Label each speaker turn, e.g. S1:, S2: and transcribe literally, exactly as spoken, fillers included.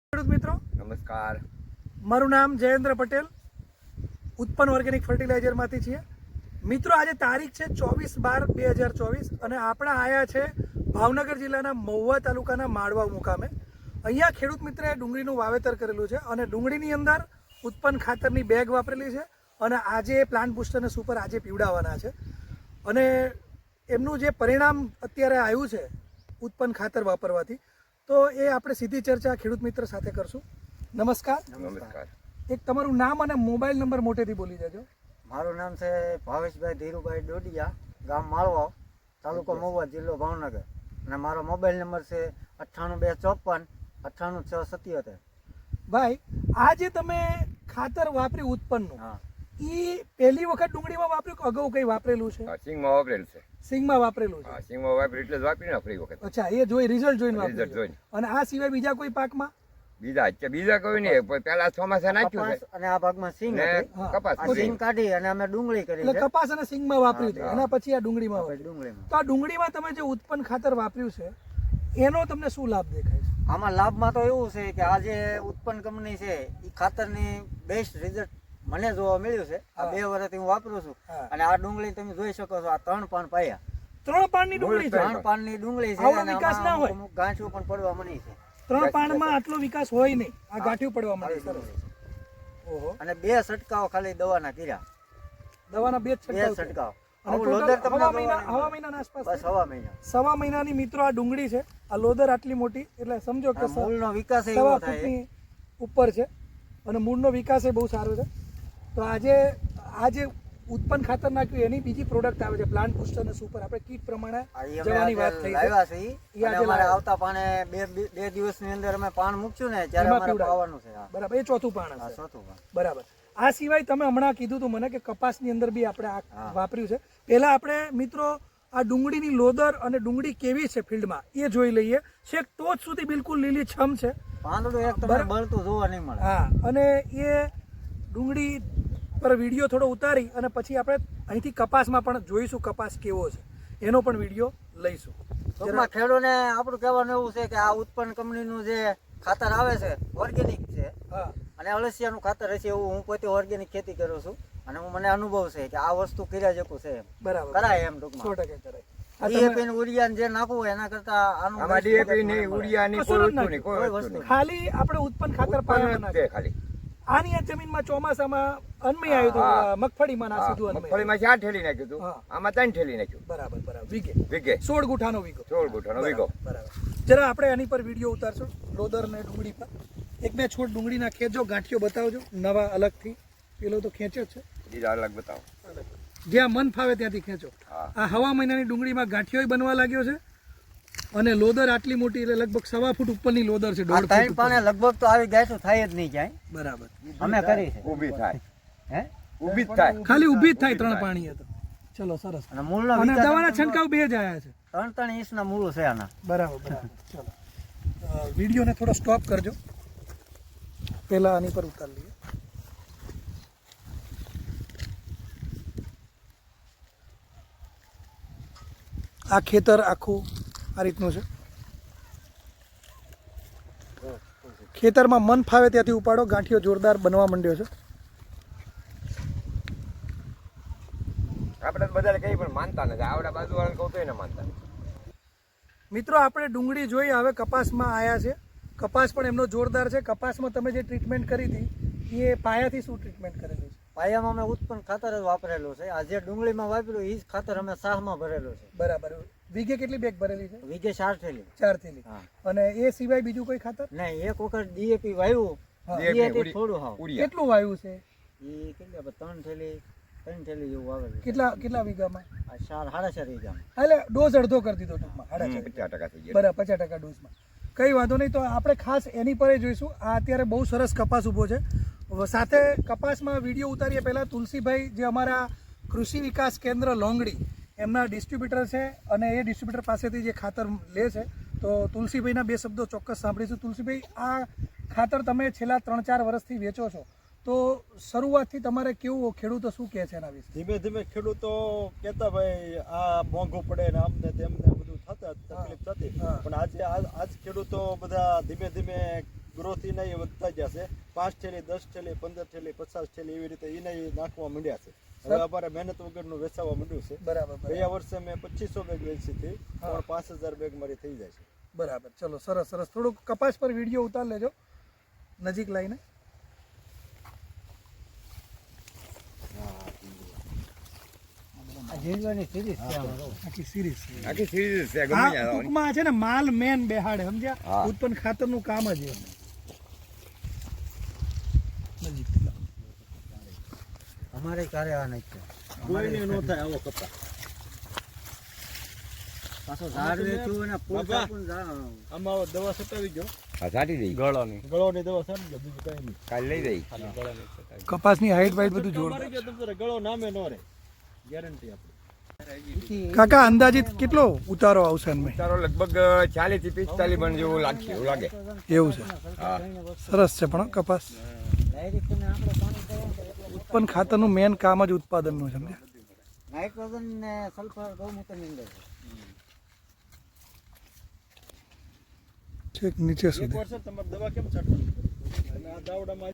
S1: ખેડૂત મિત્રો
S2: નમસ્કાર,
S1: મારું નામ જયેન્દ્ર પટેલ, ઉત્પન્ન ઓર્ગેનિક ફર્ટિલાઇઝરમાંથી છીએ. મિત્રો આજે તારીખ છે ચોવીસ બાર બે હજાર ચોવીસ અને આપણે આવ્યા છે ભાવનગર જિલ્લાના મહુવા તાલુકાના માળવા મુકામે. અહીંયા ખેડૂત મિત્રએ ડુંગળીનું વાવેતર કરેલું છે અને ડુંગળીની અંદર ઉત્પન્ન ખાતરની બેગ વાપરેલી છે અને આજે પ્લાન્ટ બુસ્ટરને સુપર આજે પીવડાવવાના છે અને એમનું જે પરિણામ અત્યારે આવ્યું છે ઉત્પન્ન ખાતર વાપરવાથી, તો એ આપણે સીધી ચર્ચા ખેડૂત મિત્ર સાથે કરશું. નમસ્કાર.
S2: નમસ્કાર.
S1: એક તમારું નામ અને મોબાઈલ નંબર મોટેથી બોલી દેજો.
S3: મારું નામ છે ભાવેશભાઈ ધીરુભાઈ ડોડિયા, ગામ માળવા, તાલુકો મહુવા, જિલ્લો ભાવનગર, અને મારો મોબાઈલ નંબર છે અઠ્ઠાણું બે ચોપન અઠ્ઠાણું છ સત્યોતેર.
S1: ભાઈ, આ જે તમે ખાતર વાપર્યું ઉત્પન્નનું,
S3: હા,
S1: એ પહેલી વખત ડુંગળીમાં વાપર્યું કે અગાઉ કઈ વાપરેલું છે?
S2: હા, સિંગમાં વાપરેલ છે.
S1: સિંગમાં વાપરેલું છે.
S2: હા, સિંગમાં વાપરેલ એટલે જ વાપરી ને ફરી વખત.
S1: અચ્છા, એ જોઈ રિઝલ્ટ જોઈને
S2: Result
S1: વાપર્યું.
S2: જોઈને.
S1: અને આ સિવાય બીજા કોઈ પાકમાં?
S2: બીજા અત્યારે બીજા કોઈ નહીં, પણ પેલા ચોમાસા નાખ્યું
S3: કપાસ
S2: છે
S3: અને આ ભાગમાં સિંગ
S2: ને
S3: હતી.
S1: હા.
S2: કપાસ
S3: આ
S2: કરી.
S3: સિંગ કાઢી અને અમે ડુંગળી કરી
S1: એટલે
S3: છે.
S1: કપાસ અને સિંગમાં વાપર્યું હતું,
S2: હા.
S1: એના પછી આ ડુંગળીમાં
S3: આપણે
S1: વાપર્યું.
S3: ડુંગળીમાં
S1: તો આ ડુંગળીમાં તમે જે ઉત્પન્ન ખાતર વાપર્યું છે એનો તમને શું લાભ દેખાય છે?
S3: આમાં લાભમાં તો એવું છે કે આ જે ઉત્પન્ન કંપની છે એ ખાતરની બેસ્ટ રિઝલ્ટ મને જોવા મળ્યું છે. આ
S1: હા.
S3: બે વર્ષથી હું વાપરું છું
S1: હા.
S3: અને આ ડુંગળી તમે જોઈ શકો છો, આ ત્રણ પાન પાયા,
S1: ત્રણ પાનની ડુંગળી છે.
S3: ત્રણ પાનની ડુંગળી છે
S1: આવડો
S3: અને
S1: વિકાસ ના
S3: આમાં
S1: હોય.
S3: અમુક ગાંઠિયું પણ પડવા મળી છે.
S1: ત્રણ પાનમાં આટલો વિકાસ હોય નહીં, આ ગાંઠિયું પડવા
S3: આવી
S1: માંડે.
S3: ડુંગળી
S1: સરસ.
S3: છે.
S1: ઓહો.
S3: અને બે છંટકાવ ખાલી દવાના કર્યા,
S1: દવાના બે જ
S3: બે
S1: છંટકાવ છે.
S3: છંટકાવ.
S1: અને
S3: આવું
S1: total
S3: લોદર તમને
S1: હવા
S3: જોવા
S1: મહિના
S3: નહીં
S1: હવા
S3: મળે.
S1: મહિનાના આસપાસ
S3: બસ
S1: છે.
S3: હવા મહિના.
S1: સવા મહિનાની મિત્રો આ ડુંગળી છે. આ લોદર આટલી મોટી, એટલે સમજો કે
S3: આ મૂળનો વિકાસ
S1: સવા
S3: એવો થાય.
S1: ફૂટની ઉપર છે અને મૂળનો વિકાસ એ બહુ સારો છે. તો આજે આ જે ઉત્પન્ન ખાતર નાખ્યું એની બીજી પ્રોડક્ટ આવે છે પ્લાન્ટ બુસ્ટર અને સુપર. આપણે કીટ પ્રમાણે
S3: આ ઈ અમે
S1: જવાની વાત
S3: આજે
S1: થઈ છે.
S3: લાવ્યા છે ઈ.
S1: ઈ
S3: અને
S1: આજે
S3: અમારે
S1: લાવ્યા.
S3: આવતા પાણે બે બે- બે દિવસની અંદર અમે પાન મૂકશું ને ત્યારે
S1: એમાં
S3: અમારે
S1: પીવડાવે.
S3: પાવાનું છે. હા.
S1: બરાબર, એ ચોથું પાણ
S3: આ
S1: હશે.
S3: ચોથું પાન.
S1: બરાબર. આ સિવાય તમે હમણાં કીધું હતું મને કે કપાસની અંદર બી આપણે આ
S3: હા.
S1: વાપર્યું છે. પહેલા આપણે મિત્રો આ ડુંગળીની લોદર અને ડુંગળી કેવી છે ફિલ્ડમાં એ જોઈ લઈએ. છેક ટોચ સુધી બિલકુલ લીલી છમ છે.
S3: પાંદડું એક તમને
S1: બરાબર.
S3: બળતું જોવા નહીં મળે.
S1: હા, અને એ ડુંગળી પર વિડીયો થોડો ઉતારી અને પછી આપણે અહીંથી કપાસમાં પણ જોઈશું કપાસ કેવો છે, એનો પણ વિડીયો લઈશું.
S3: ટૂંકમાં ખેડૂતને આપણું કહેવાનું એવું છે કે આ ઉત્પન્ન કંપનીનું જે ખાતર આવે છે ઓર્ગેનિક છે
S1: હા,
S3: અને અળસિયાનું ખાતર હશે એવું. હું પોતે ઓર્ગેનિક ખેતી કરું છું અને હું મને અનુભવ છે કે આ વસ્તુ કર્યા જેવું છે એમ
S1: બરાબર,
S3: કરાય એમ
S1: સો
S3: ટૂંકમાં.
S1: ટકા કરાય. આ તમે
S3: ડીએપી ને ઉરિયા ને જે નાખવું હોય એના કરતા આનું
S2: આમાં
S3: best
S2: ડીએપી
S3: result
S2: નહીં,
S3: મને મળે.
S2: ઉડિયા નહીં,
S1: કશું
S2: કોઈ
S1: જ
S2: વસ્તુ નહીં, કોઈ
S3: કોઈ
S2: વસ્તુ
S3: વસ્તુ
S2: નહીં.
S1: ખાલી આપણે ઉત્પન્ન ખાતર પાયામાં
S2: ઉત્પન્ન જ
S1: નાખીએ.
S2: છે ખાલી.
S1: આની આ જમીનમાં ચોમાસામાં અન્મય આવ્યું હતું,
S2: હા.
S1: મગફળીમાં ના
S2: હા,
S1: સીધું અન્મય આવ્યું.
S2: મગફળીમાં ચાર ઠેલી નાખ્યું હતું,
S1: હા.
S2: આમાં ત્રણ ઠેલી નાખ્યું.
S1: બરાબર બરાબર, વીઘે
S2: વીઘે
S1: સોળ ગુઠાનો વીઘો.
S2: સોળ ગુઠાનો વીઘો.
S1: બરાબર. જરા આપણે આની પર વિડીયો ઉતારશું લોદર ને ડુંગળી પર. એક બે છોડ ડુંગળીના ખેંચો, ગાંઠિયો બતાવજો નવા અલગથી. પેલો તો ખેંચ્યો જ છે,
S2: બીજા અલગ બતાવો.
S1: જ્યાં મન ફાવે ત્યાંથી ખેંચો.
S2: હા.
S1: આ હવા મહિનાની ડુંગળીમાં ગાંઠિયો બનવા લાગ્યો છે અને લોદર આટલી મોટી, એટલે લગભગ સવા ફૂટ ઉપરની લોદર છે.
S3: આ
S1: દોઢ
S3: ત્રણ
S1: ફૂટ
S3: પાને
S1: ઉપર.
S3: લગભગ તો આવી ગાયઠું થાય જ નહીં ક્યાંય.
S1: બરાબર.
S3: અમે કરી છે.
S2: ઊભી થાય,
S3: હે
S2: ઊભી જ થાય.
S1: ખાલી ઊભી જ થાય
S2: ઊભી
S1: ત્રણ
S2: થાય.
S1: પાણી તો. ચલો, સરસ.
S3: અને મૂળનો
S1: અને
S3: વિકાસ
S1: દવાના છંટકાવ બે જ આયા છે.
S3: ત્રણ ત્રણ ઇંચના મૂળ છે આના.
S1: બરાબર બરાબર. ચલો, અ, વિડીયોને થોડો સ્ટોપ કરજો. પહેલા આની પર ઉતાર લઈએ. આ ખેતર આખું આ રીતનું છે. ખેતરમાં મન ફાવે ત્યાંથી ઉપાડો. ગાંઠિયો જોરદાર બનવા માંડ્યો છે.
S2: આપણે તો બધાને કઈ પણ માનતા નથી. આવડા બાજુ વાળાને કહું તો એને માનતા નથી.
S1: મિત્રો, આપણે ડુંગળી જોઈ, હવે કપાસમાં આવ્યા છે. કપાસ પણ એમનો જોરદાર છે. કપાસમાં તમે જે ટ્રીટમેન્ટ કરી હતી એ પાયાથી શું ટ્રીટમેન્ટ કરેલી છે?
S3: પાયામાં અમે ઉત્પન્ન ખાતર જ વાપરેલું છે. આ જે ડુંગળીમાં વાપર્યું એ જ ખાતર અમે સાહમાં ભરેલું છે.
S1: બરાબર. વીઘે કેટલી બેગ ભરેલી છે?
S3: વીઘે ચાર થેલી.
S1: ચાર થેલી.
S3: હા.
S1: અને એ સિવાય બીજું કોઈ ખાતર?
S3: નહીં, એક વખત ડીએપી વાવ્યું.
S1: હા.
S3: ડીએપી
S2: ઉડી-
S3: થોડું હાવ.
S2: ઉડિયા.
S1: કેટલું વાવ્યું છે?
S3: એ કેટલી આપણે ત્રણ થેલી ત્રણ થેલી જેવું વાવેલું છે.
S1: કેટલા કેટલા વીઘામાં?
S3: આ ચાર સાડા ચાર વીઘામાં.
S1: હા, એટલે ડોઝ અડધો કરી દીધો ટૂંકમાં. સાડા
S2: હમ,
S1: ચાર.
S2: પચાસ ટકા થઈ ગયા.
S1: બરાબર, પચાસ ટકા ડોઝમાં. કઈ વાંધો નહીં. તો આપણે ખાસ એની પર જોઈશું. આ અત્યારે બહુ સરસ કપાસ ઊભો છે. સાથે કપાસમાં વિડીયો ઉતારીએ પહેલાં તુલસીભાઈ જે અમારા કૃષિ વિકાસ કેન્દ્ર લોંગડી એમના ડિસ્ટ્રીબ્યુટર છે અને એ ડિસ્ટ્રીબ્યુટર પાસેથી જે ખાતર લે છે, તો તુલસીભાઈના બે શબ્દો ચોક્કસ સાંભળીશું. તુલસીભાઈ, આ ખાતર તમે છેલ્લા ત્રણ ચાર વર્ષથી વેચો છો, તો શરૂઆતથી તમારે કેવું, ખેડૂતો શું કહે છે એના વિશે?
S4: ધીમે ધીમે ખેડૂતો કહેતા ભાઈ આ મોંઘું પડે ને આમને તેમને બધું થતા તકલીફ થતી,
S1: હા.
S4: પણ આજે આજ આજ ખેડૂતો બધા ધીમે ધીમે ગ્રોથ એના એ વધતા ગયા છે. પાંચ થેલી, દસ થેલી, પંદર થેલી, પચાસ થેલી એવી રીતે એને એ નાખવા માંડ્યા છે. હવે અમારે મહેનત વગરનું વેચાવા માંડ્યું છે.
S1: બરાબર બરાબર.
S4: ગયા વર્ષે મેં પચીસો બેગ વેચી હતી, પણ પાંચ હજાર બેગ મારી થઈ જાય છે.
S1: બરાબર, ચલો સરસ સરસ. થોડુંક કપાસ પર વિડીયો ઉતાર લેજો નજીક લાઈને.
S3: ઝીંડવાની સિરીઝ છે આમાં.
S1: આખી સિરીઝ છે.
S2: આખી સિરીઝ છે, ગમે
S1: આ
S2: ત્યાં આવવાની.
S1: ટૂંકમાં છે ને માલ મેન બેહાડે, સમજ્યા?
S2: હા.
S1: ઉત્પન્ન ખાતરનું કામ જ એ. નજીક
S3: અમારે ક્યારે આ નહીં છે.
S4: કોઈને ન થાય આવો કપા.
S3: પાછો ઝાડ વેચ્યું અને ફૂલ
S4: બાપા.
S3: કાપું ઝાડ.
S4: આમાં આવો દવા છટાવી ગયો,
S2: હા, સાટી દઈ.
S4: ગળોની ગળોની દવા છાંટી ગયો, બીજું કઈ નહીં.
S2: કાલે લઈ જઈ.
S4: ખાલી ગળાની છટાવી.
S1: કપાસની હાઈટ વાઈટ બધું
S4: મારી
S1: જોરદાર.
S4: ગયો તમ તારે ગળો નામે ન રહે, ગેરંટી આપણી.
S1: કાકા અંદાજિત કેટલો ઉતારો આવશે એમાં?
S2: તારો લગભગ ચાલીસ થી પિસ્તાલીસ મણ જેવું લાગશે, એવું લાગે.
S1: એવું છે.
S2: હા.
S1: સરસ છે પણ કપાસ.
S3: ડાયરેક્ટ એને આપણે પાણી દેવાનું તો એટલે
S1: ઉત્પન્ન ખાતરનું મેન કામ જ ઉત્પાદનનું છે, સમજ્યા?
S3: નાઇટ્રોજન ને સલ્ફર ગૌમૂત્રની અંદર છે.
S1: છેક નીચે
S4: એક
S1: સુધી.
S4: વર્ષે તમારે દવા કેમ છાંટવાની? અને આ દાવડામાં